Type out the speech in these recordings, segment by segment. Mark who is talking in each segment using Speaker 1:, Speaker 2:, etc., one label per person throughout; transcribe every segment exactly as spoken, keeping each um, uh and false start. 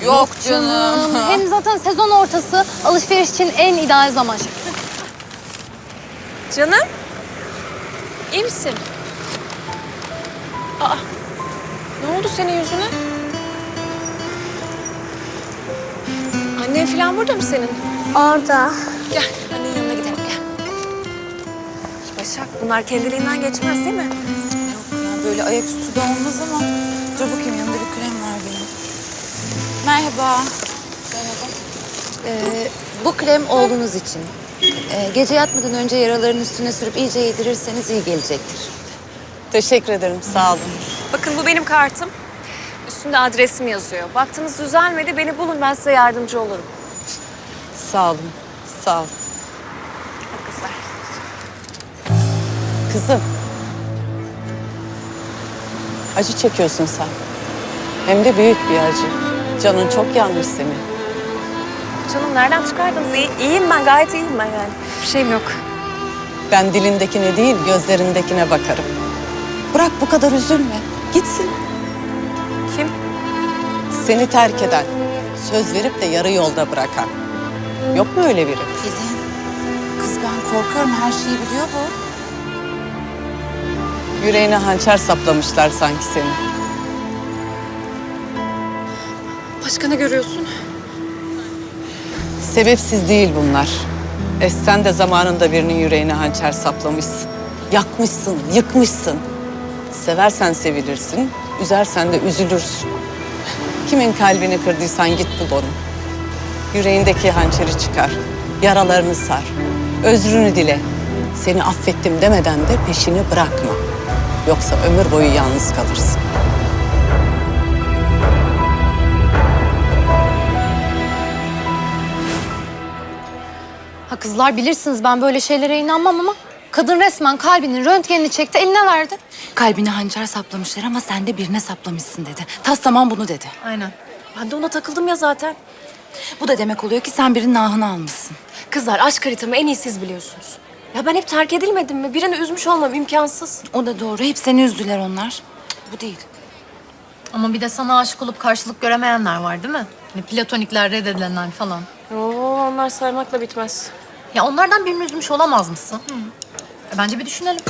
Speaker 1: Yok canım.
Speaker 2: Hem zaten sezon ortası alışveriş için en ideal zaman.
Speaker 3: Canım, iyi misin? Aa, ne oldu senin yüzüne? Annen falan burada mı senin?
Speaker 2: Orada.
Speaker 3: Gel, annenin yanına gidelim, gel. Başak, bunlar kendiliğinden geçmez değil mi?
Speaker 1: Yok ya böyle ayaküstü de olmaz ama dur bakayım yanında bir krem var benim. Merhaba. Merhaba.
Speaker 4: Ee, bu krem oğlunuz için. Ee, gece yatmadan önce yaraların üstüne sürüp iyice yedirirseniz iyi gelecektir.
Speaker 1: Teşekkür ederim sağ olun.
Speaker 3: Bakın bu benim kartım. Üstünde adresim yazıyor. Baktınız düzelmedi, beni bulun, ben size yardımcı olurum.
Speaker 1: Sağ olun. Sağ olun.
Speaker 3: Hadi kızlar.
Speaker 1: Kızım. Acı çekiyorsun sen. Hem de büyük bir acı. Canın çok yanmış senin.
Speaker 3: Canım nereden çıkardınız? İyi, iyiyim ben, gayet iyiyim ben yani. Bir şeyim yok.
Speaker 1: Ben dilindekine değil gözlerindekine bakarım. Bırak bu kadar üzülme. Gitsin.
Speaker 3: Kim?
Speaker 1: Seni terk eden, söz verip de yarı yolda bırakan. Yok mu öyle biri?
Speaker 4: Pelin, kız ben korkuyorum. Her şeyi biliyor bu.
Speaker 1: Yüreğine hançer saplamışlar sanki seni.
Speaker 3: Başka ne görüyorsun?
Speaker 1: Sebepsiz değil bunlar. E sen de zamanında birinin yüreğine hançer saplamışsın. Yakmışsın, yıkmışsın. Seversen sevilirsin, üzersen de üzülürsün. Kimin kalbini kırdıysan git bul onu. Yüreğindeki hançeri çıkar, yaralarını sar, özrünü dile. Seni affettim demeden de peşini bırakma. Yoksa ömür boyu yalnız kalırsın.
Speaker 2: Ha kızlar bilirsiniz ben böyle şeylere inanmam ama kadın resmen kalbinin röntgenini çekti eline verdi.
Speaker 4: Kalbine hançer saplamışlar ama sen de birine saplamışsın dedi. Tas tamam bunu dedi.
Speaker 2: Aynen.
Speaker 3: Ben de ona takıldım ya zaten.
Speaker 4: Bu da demek oluyor ki sen birinin ahını almışsın.
Speaker 3: Kızlar aşk haritamı en iyi siz biliyorsunuz. Ya ben hep terk edilmedim mi? Birini üzmüş olmam imkansız.
Speaker 4: O da doğru. Hep seni üzdüler onlar. Bu değil.
Speaker 2: Ama bir de sana aşık olup karşılık göremeyenler var değil mi? Hani platonikler, reddedilenler falan.
Speaker 3: Oo, onlar saymakla bitmez.
Speaker 2: Ya onlardan birini üzmüş olamaz mısın? E, bence bir düşünelim.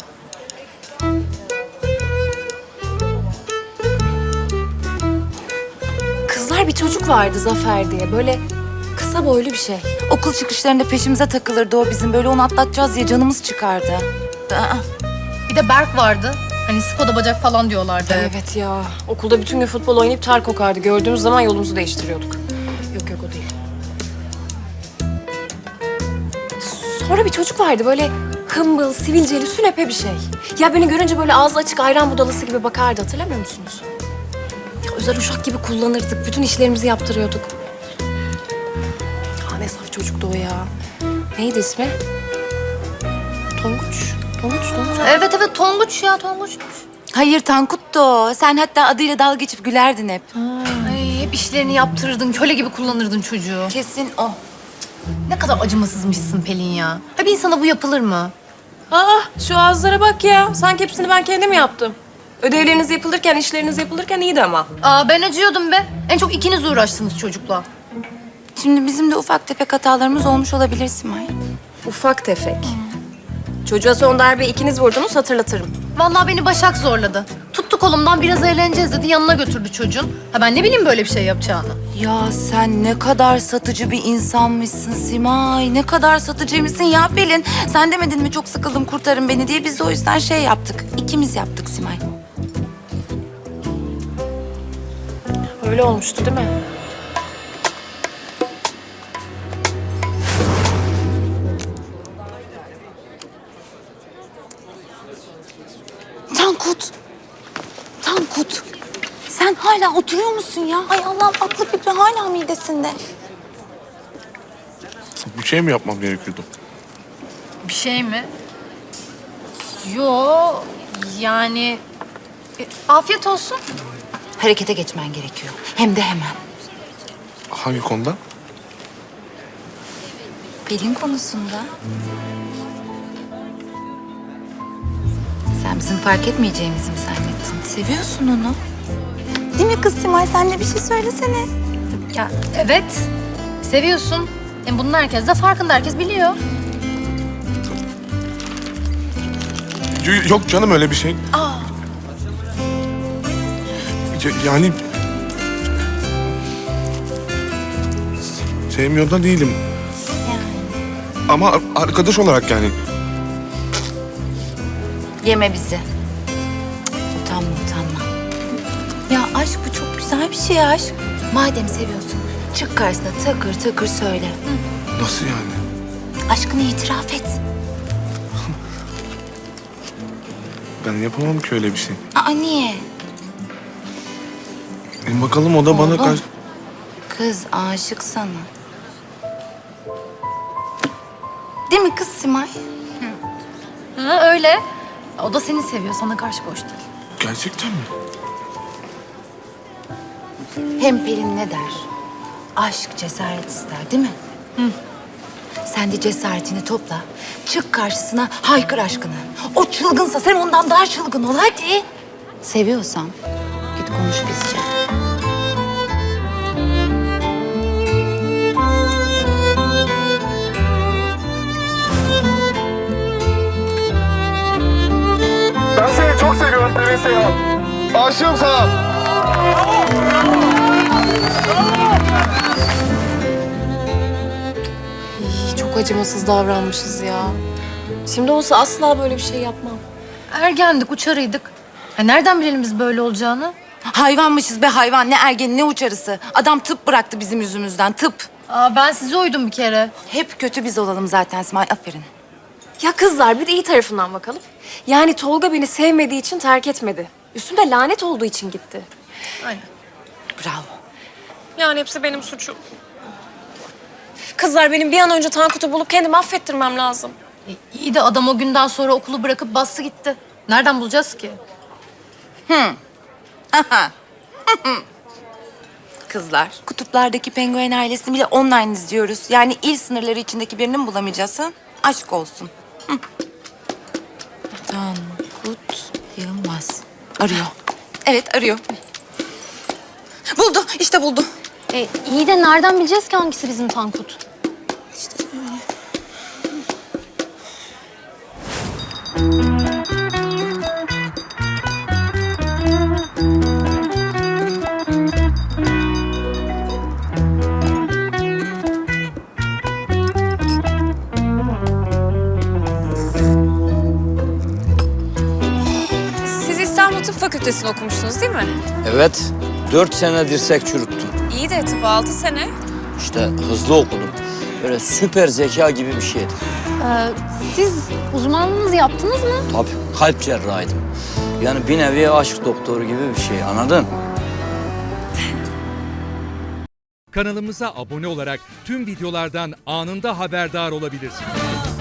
Speaker 3: Kızlar bir çocuk vardı Zafer diye. Böyle kısa boylu bir şey.
Speaker 4: Okul çıkışlarında peşimize takılırdı o bizim. Böyle onu atlatacağız diye canımız çıkardı. Aa,
Speaker 2: Bir de Berk vardı. Hani Skoda bacak falan diyorlardı.
Speaker 3: Evet ya. Okulda bütün gün futbol oynayıp ter kokardı. Gördüğümüz zaman yolumuzu değiştiriyorduk. Yok yok o değil. Sonra bir çocuk vardı böyle hımbıl, sivilceli, sünepe bir şey. Ya beni görünce böyle ağzı açık ayran budalası gibi bakardı. Hatırlamıyor musunuz? Ya özel uşak gibi kullanırdık. Bütün işlerimizi yaptırıyorduk. Ya ne saf çocuktu o ya. Neydi ismi? Tonguç. Tonguç, Tonguç.
Speaker 2: Evet evet Tonguç ya Tonguç.
Speaker 4: hayır Tankut da o. Sen hatta adıyla dalga geçip gülerdin hep.
Speaker 2: Ay, hep işlerini yaptırırdın, köle gibi kullanırdın çocuğu.
Speaker 4: Kesin o.
Speaker 2: Ne kadar acımasızmışsın Pelin ya. Ha bir insana bu yapılır mı?
Speaker 3: Aa, şu ağızlara bak ya. Sanki hepsini ben kendim yaptım. Ödevleriniz yapılırken, işleriniz yapılırken iyiydi ama.
Speaker 2: Aa ben acıyordum be. En çok ikiniz uğraştınız çocukla.
Speaker 4: Şimdi bizim de ufak tefek hatalarımız olmuş olabilir Simay.
Speaker 3: Ufak tefek. Çocuğa son darbe ikiniz vurdunuz, hatırlatırım.
Speaker 2: Vallahi beni Başak zorladı. Tuttu kolumdan biraz eğleneceğiz dedi yanına götürdü çocuğun. Ha ben ne bileyim böyle bir şey yapacağını.
Speaker 4: Ya sen ne kadar satıcı bir insanmışsın Simay. Ne kadar satıcıymışsın ya Pelin. Sen demedin mi çok sıkıldım kurtarın beni diye. Biz de o yüzden şey yaptık. İkimiz yaptık Simay.
Speaker 3: Öyle olmuştu değil mi?
Speaker 4: Tankut. Tankut. Sen hala oturuyor musun ya? Ay Allah'ım aklı fikri hala midesinde.
Speaker 5: Bir şey mi yapmam gerekiyordu?
Speaker 2: Bir şey mi? Yo yani e, afiyet olsun.
Speaker 4: Harekete geçmen gerekiyor. Hem de hemen.
Speaker 5: Hangi konuda?
Speaker 4: Pelin konusunda. Sen bizim fark etmeyeceğimizi mi zannettin? Seviyorsun onu. Değil mi kız Simay? Sen de bir şey söylesene.
Speaker 2: Ya evet. Seviyorsun. Hem bunun herkes de farkında. Herkes biliyor.
Speaker 5: Y- Yok canım öyle bir şey.
Speaker 2: Aa.
Speaker 5: Ya- yani... Sevmiyor da değilim. Ama ar- arkadaş olarak yani.
Speaker 4: Yeme bizi. Cık, utanma utanma. Ya aşk bu çok güzel bir şey aşk. Madem seviyorsun çık karşısına takır takır söyle.
Speaker 5: Nasıl yani?
Speaker 4: Aşkını itiraf et.
Speaker 5: Ben yapamam ki öyle bir şey.
Speaker 4: Aa niye?
Speaker 5: E bakalım o da bana
Speaker 4: Oğlum.
Speaker 5: karşı...
Speaker 4: Kız aşık sana. Değil mi kız Simay?
Speaker 2: Ha öyle. O da seni seviyor. Sana karşı boş değil.
Speaker 5: Gerçekten mi?
Speaker 4: Hem Pelin ne der? Aşk cesaret ister değil mi? Hı. Sen de cesaretini topla. Çık karşısına haykır aşkını. O çılgınsa sen ondan daha çılgın ol hadi. Seviyorsan git konuş bizce.
Speaker 6: Ben seni çok seviyorum Pelin Seyhan. Aşığım sana.
Speaker 3: İy, çok acımasız davranmışız ya. Şimdi olsa asla böyle bir şey yapmam.
Speaker 2: Ergendik, uçarıydık. Ha, nereden bilelim biz böyle olacağını?
Speaker 4: Hayvanmışız be hayvan. Ne ergeni ne uçarısı. Adam tıp bıraktı bizim yüzümüzden tıp.
Speaker 2: Aa, ben size uydum bir kere.
Speaker 4: Hep kötü biz olalım zaten Simay. Aferin.
Speaker 3: Ya kızlar bir de iyi tarafından bakalım. Yani Tolga beni sevmediği için terk etmedi. Üstümde lanet olduğu için gitti.
Speaker 2: Aynen.
Speaker 4: Bravo.
Speaker 3: Yani hepsi benim suçum. Kızlar benim bir an önce Tankut'u bulup kendimi affettirmem lazım.
Speaker 2: E, iyi de adam o günden sonra okulu bırakıp bastı gitti. Nereden bulacağız ki?
Speaker 4: Kızlar. Kutuplardaki penguen ailesini bile online izliyoruz. Yani il sınırları içindeki birini mi bulamayacağız ha? Aşk olsun. Hı. Tankut Yılmaz. Arıyor. Evet arıyor. Buldu işte buldu.
Speaker 2: E, iyi de nereden bileceğiz ki hangisi bizim Tankut?
Speaker 3: Siz İstanbul Tıp Fakültesi'ni okumuştunuz değil mi?
Speaker 7: Evet, dört sene dirsek çürüttüm.
Speaker 3: İyi de tıp altı sene.
Speaker 7: İşte hızlı okudum. Böyle süper zeka gibi bir şeydi.
Speaker 2: Ee, siz uzmanlığınızı yaptınız mı?
Speaker 7: Tabii, kalp cerrahıydım. Yani bir nevi aşk doktoru gibi bir şey, anladın?
Speaker 8: Kanalımıza abone olarak tüm videolardan anında haberdar olabilirsiniz.